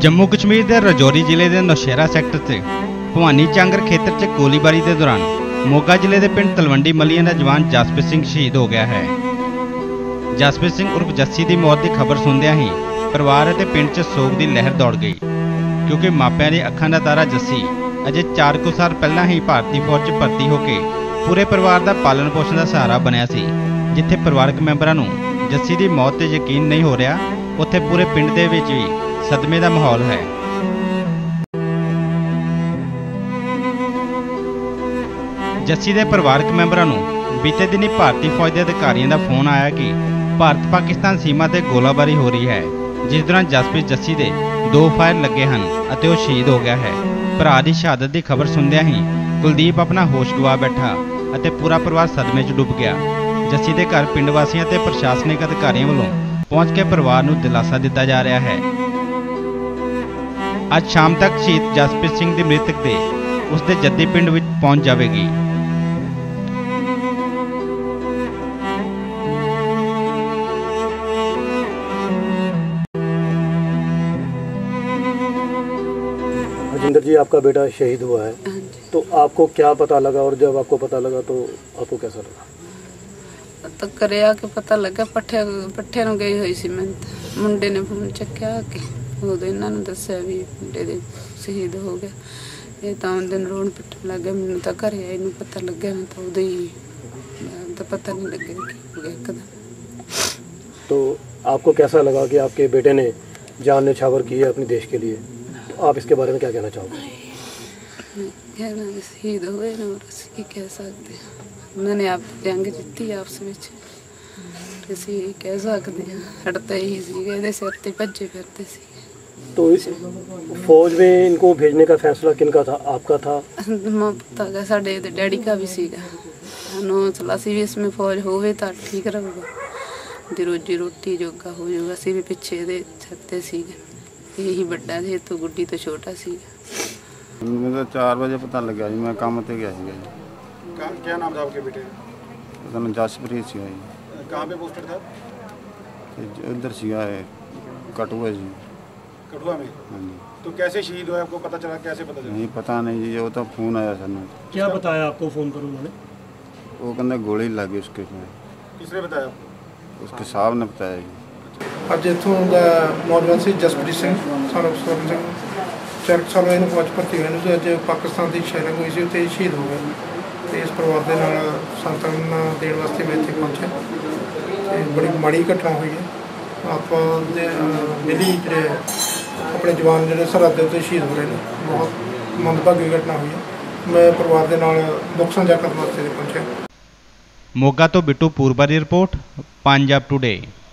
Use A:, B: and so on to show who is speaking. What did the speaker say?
A: जम्मू कश्मीर के राजौरी जिले के नौशहरा सैक्टर से भवानी चांगर खेतर च गोलीबारी के दौरान मोगा जिले के पिंड तलवंडी मलियां का जवान जसप्रीत सिंह शहीद हो गया है। जसप्रीत सिंह उर्फ जस्सी की मौत की खबर सुनदियां ही परिवार और पिंड च सोग की लहर दौड़ गई, क्योंकि मापिਆਂ की अखां का तारा जस्सी अजे 4 कुछ साल पहला ही भारतीय फौज च भर्ती होकर पूरे परिवार का पालन पोषण का सहारा बनया सी। जिथे परिवारक मैंबरां नूं जस्सी की मौत ते यकीन नहीं हो रहा, उत्थे पूरे पिंड दे विच भी सदमे का माहौल है। जस्सी के परिवारक मैंबरां नूं बीते दिन ही भारतीय फौज के अधिकारियों का फोन आया कि भारत पाकिस्तान सीमा से गोलाबारी हो रही है, जिस दौरान जसप्रीत जस्सी के 2 फायर लगे हैं और वह शहीद हो गया है। भरा की शहादत की खबर सुनदियां ही कुलदीप अपना होश गवा बैठा और पूरा परिवार सदमे च डुब गया। जस्सी के घर पिंड वासियों ते प्रशासनिक अधिकारियों वालों पहुंच के परिवार नूं दिलासा दिता जा रहा है। आज शाम तक शहीद जसप्रीत सिंह की मृतक दे उसके जद्दी पिंड विच पहुंच जाएगी।
B: राजिंदर जी, आपका बेटा शहीद हुआ है, तो आपको क्या पता लगा, और जब आपको पता लगा तो आपको कैसा लगा?
C: तो करे आके पता लगा पट्ठे ਨੂੰ ਗਈ ਹੋਈ ਸੀ। ਮੈਂ ਮੁੰਡੇ ਨੇ ਫੋਨ ਚੱਕਿਆ ਕਿ ਉਹਦੇ ਇਹਨਾਂ ਨੂੰ ਦੱਸਿਆ ਵੀ ਮੁੰਡੇ ਦੇ ਸ਼ਹੀਦ ਹੋ ਗਿਆ। ਇਹ ਤਾਂ ਦਿਨ ਰੋਣ ਪਿੱਟਣ ਲੱਗ ਗਿਆ। ਮੈਨੂੰ ਤਾਂ ਘਰੇ ਆਈ ਨੂੰ ਪਤਾ ਲੱਗਿਆ, ਮੈਂ ਤਾਂ ਉਦੋਂ ਹੀ ਤਾਂ ਪਤਾ नहीं लगे कि हो गया एकदम।
B: तो आपको कैसा लगा कि आपके बेटे ने जान न्यौछावर की है अपने देश के लिए, तो आप इसके बारे में क्या कहना चाहोगे?
C: शहीद हुए ना, की कह सकते हैं, उन्होंने आप जंग जीती आपस में, ਅਸੀਂ ਕਹਿ ਸਕਦੇ ਹਾਂ ਹਟਦਾ ही ਸੀਗਾ, ਇਹਦੇ ਸਿਰ ਤੇ ਭੱਜੇ ਫਿਰਦੇ ਸੀ।
B: तो इस फौज में इनको भेजने का फैसला किनका था, आपका था?
C: पता साढ़े डैडी का भी सीगा। हौसला सी भी इसमें फौज होवे तो ठीक रहूगा, दी रोजी रोटी जोगा हो जाऊगा। असी भी पिछे दे छत्ते सीगे, यही बड़ा जी तो गुड्डी तो छोटा सीगा।
D: मुझे 4 बजे पता लगा जी, मैं काम पे गया जी।
E: क्या नाम था आपके बेटे?
D: पता नहीं, जसप्रीत सिंह जी।
E: कहाँ पे पोस्टेड था?
D: उधर सीगा कठुआ जी।
E: कठुआ में?
D: हाँ जी।
E: तो कैसे शहीद हुआ, आपको पता चला? कैसे पता चला?
D: नहीं पता नहीं जी, वो तो फोन आया सर।
B: क्या बताया आपको फोन पर उन्होंने?
D: वो कहते गोली लगी उसके में।
E: किसने बताया?
D: उसके साहब ने बताया जी।
F: ਅੱਜ ਇੱਥੋਂ ਦਾ ਨੌਜਵਾਨ ਸੀ ਜਸਪ੍ਰੀਤ ਸਿੰਘ ਸਾਨੂੰ ਸਵਰਨ ਸਿੰਘ 4 ਸਾਲ ਇਹਨੂੰ ਫੌਜ ਭਰਤੀ ਹੋਏ ਨੂੰ ਤੇ ਅੱਜ ਪਾਕਿਸਤਾਨ ਦੀ ਸ਼ੈਲਿੰਗ ਹੋਈ ਸੀ, ਉੱਥੇ ਸ਼ਹੀਦ ਹੋ ਗਏ। ਤੇ ਇਸ ਪਰਿਵਾਰ ਦੇ ਨਾਲ ਸੰਤਾਨ ਦੇਣ ਵਾਸਤੇ ਮੈਂ ਇੱਥੇ ਪਹੁੰਚਿਆ ਤੇ ਬੜੀ ਮਾੜੀ ਘਟਨਾ ਹੋਈ ਹੈ। ਆਪਾਂ ਦੇ ਦਿੱਲੀ ਜਿਹੜੇ ਆਪਣੇ ਜਵਾਨ ਜਿਹੜੇ ਸਰਹੱਦ ਦੇ ਉੱਤੇ ਸ਼ਹੀਦ ਹੋ ਰਹੇ ਨੇ, ਬਹੁਤ ਮੰਦਭਾਗੀ ਘਟਨਾ ਹੋਈ ਹੈ। ਮੈਂ ਪਰਿਵਾਰ ਦੇ ਨਾਲ ਦੁੱਖ ਸਾਂਝਾ ਕਰਨ ਵਾਸਤੇ ਪਹੁੰਚਿਆ।
A: मोगा तो बिट्टू पूर्वा की रिपोर्ट, पंजाब टुडे।